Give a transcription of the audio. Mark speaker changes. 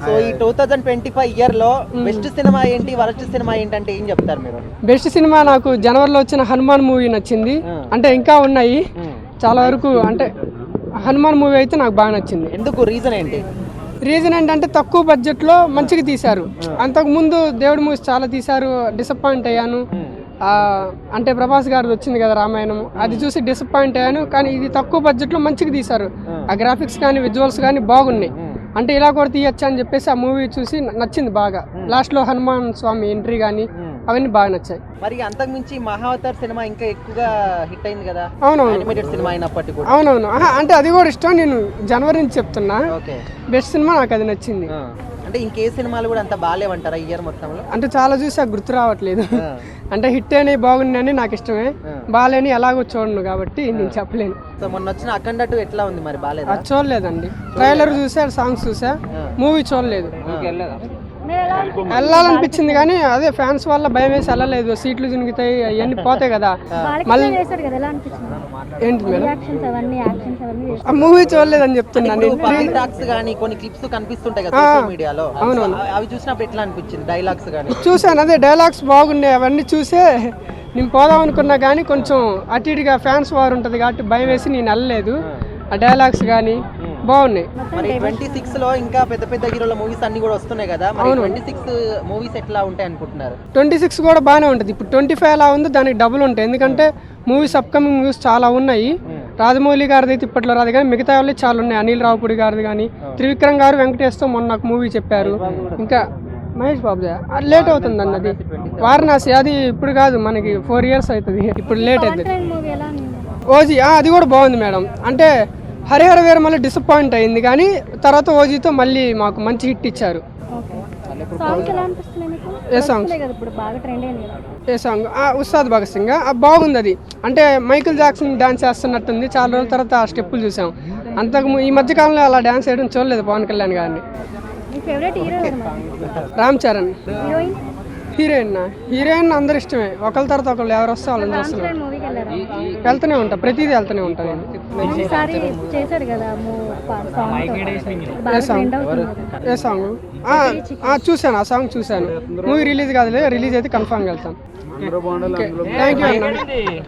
Speaker 1: So ఈ 2025 year లో best cinema ఏంటి, వరస్ట్ సినిమా ఏంటి అంటే ఏం చెప్తారు మీరు?
Speaker 2: బెస్ట్ సినిమా నాకు జనవరిలో వచ్చిన హనుమాన్ మూవీ నచ్చింది. అంటే ఇంకా ఉన్నాయి చాలా వరకు. అంటే హనుమాన్ మూవీ అయితే నాకు బాగా నచ్చింది.
Speaker 1: ఎందుకు, రీజన్ ఏంటి?
Speaker 2: రీజన్ ఏంటంటే తక్కువ బడ్జెట్లో మంచిగా తీశారు. అంతకుముందు దేవుడి మూవీస్ చాలా తీశారు, డిసప్పాయింట్ అయ్యాను. అంటే ప్రభాస్ గారిది వచ్చింది కదా రామాయణం, అది చూసి డిసప్పాయింట్ అయ్యాను. కానీ ఇది తక్కువ బడ్జెట్లో మంచిగా తీశారు. ఆ గ్రాఫిక్స్ కానీ విజువల్స్ కానీ బాగున్నాయి. అంటే ఇలా కూడా తీయచ్చు అని చెప్పేసి ఆ మూవీ చూసి నచ్చింది బాగా. లాస్ట్లో హనుమాన్ స్వామి ఎంట్రీ కానీ అవన్నీ బాగా నచ్చాయి.
Speaker 1: మరి అంతకు మించి మహావతార్ సినిమా ఇంకా ఎక్కువగా హిట్ అయింది కదా.
Speaker 2: అవునవును,
Speaker 1: యానిమేటెడ్ సినిమా అయినప్పటికీ కూడా.
Speaker 2: అవునవును. అంటే అది కూడా ఇష్టం. నేను జనవరి నుంచి చెప్తున్నా.
Speaker 1: ఓకే,
Speaker 2: బెస్ట్ సినిమా నాకు అది నచ్చింది.
Speaker 1: అంటే ఇంకే సినిమాలు కూడా అంత బాగాలేవంటారా ఇయర్ మొత్తంలో?
Speaker 2: అంటే చాలా చూసి గుర్తు రావట్లేదు. అంటే హిట్ అయినవి బాగున్నాయని నాకు ఇష్టమే, బాగాలేని ఎలాగో చూడను కాబట్టి నేను చెప్పలేను.
Speaker 1: సో మొన్న వచ్చిన అఖండ 2 ఎట్లా ఉంది మరి, బాగాలేదా?
Speaker 2: అది చూడలేదండి. ట్రైలర్ చూసా, సాంగ్స్ చూసా, మూవీ చూడలేదు. వెళ్ళాలనిపించింది కానీ అదే ఫ్యాన్స్ వల్ల భయం వేసి వెళ్ళలేదు. సీట్లు జునుగుతాయి, అవన్నీ పోతాయి కదా. మళ్ళీ ఏంటి మేడం, ఆ మూవీ చూడలేదని చెప్తున్నాను.
Speaker 1: కొన్ని క్లిప్స్ కనిపిస్తుంటాయి కదా సోషల్ మీడియాలో, అవి చూసినప్పుడు ఎట్లా అనిపించింది? డైలాగ్స్ కానీ
Speaker 2: చూసాను, అదే డైలాగ్స్ బాగున్నాయి. అవన్నీ చూసే నేను పోదాం అనుకున్నా కానీ కొంచెం అటు ఇటుగా ఫ్యాన్స్ వారు ఉంటుంది కాబట్టి భయం వేసి నేను వెళ్ళలేదు. ఆ డైలాగ్స్ కానీ బాగున్నాయి.
Speaker 1: మరి 26 లో ఇంకా పెద్ద పెద్ద హీరోల మూవీస్ అన్ని కూడా వస్తున్నాయి కదా. మరి 26 మూవీస్ ఎట్లా ఉంటాయి అనుకుంటున్నారు?
Speaker 2: 26 కూడా బాగానే ఉంటుంది. ఇప్పుడు 25 ఎలా ఉందో దానికి డబుల్ ఉంటాయి. ఎందుకంటే మూవీస్ అప్కమింగ్ మూవీస్ చాలా ఉన్నాయి. రాజమౌళి గారిది అయితే ఇప్పట్లో రాదు కానీ మిగతా వాళ్ళు చాలా ఉన్నాయి. అనిల్ రావుపూడి గారిది కానీ, త్రివిక్రమ్ గారు వెంకటేష్తో మొన్న నాకు మూవీ చెప్పారు. ఇంకా మహేష్ బాబు లేట్ అవుతుంది అన్నది వారణాసి, అది ఇప్పుడు కాదు, మనకి 4 years అవుతుంది. ఇప్పుడు లేట్ అవుతుంది. ఓజీ అది కూడా బాగుంది మేడం. అంటే హరిహర వీర మళ్ళీ డిసప్పాయింట్ అయింది కానీ తర్వాత ఓజీతో మళ్ళీ మాకు మంచి హిట్ ఇచ్చారు. ఏ సాంగ్? ఏ సాంగ్? ఉస్తాద్ భగత్ సింగ్ బాగుంది. అది అంటే మైకిల్ జాక్సన్ డాన్స్ చేస్తున్నట్టుంది. చాలా రోజుల తర్వాత ఆ స్టెప్పులు చూసాం. అంతకు ఈ మధ్య కాలంలో అలా డాన్స్ చేయడం చూడలేదు పవన్ కళ్యాణ్ గారిని. రామ్ చరణ్. హీరోయిన్ అందరు ఇష్టమే. ఒకళ్ళ తర్వాత ఒకళ్ళు ఎవరు వస్తే వాళ్ళని చూస్తున్నారు. వెళ్తూనే ఉంటా, ప్రతిదీ వెళ్తూనే ఉంటాను నేను. ఏ సాంగ్? చూశాను, ఆ సాంగ్ చూశాను. మూవీ రిలీజ్ కాదులే, రిలీజ్ అయితే కన్ఫామ్గా వెళ్తాను. థ్యాంక్ యూ అన్న.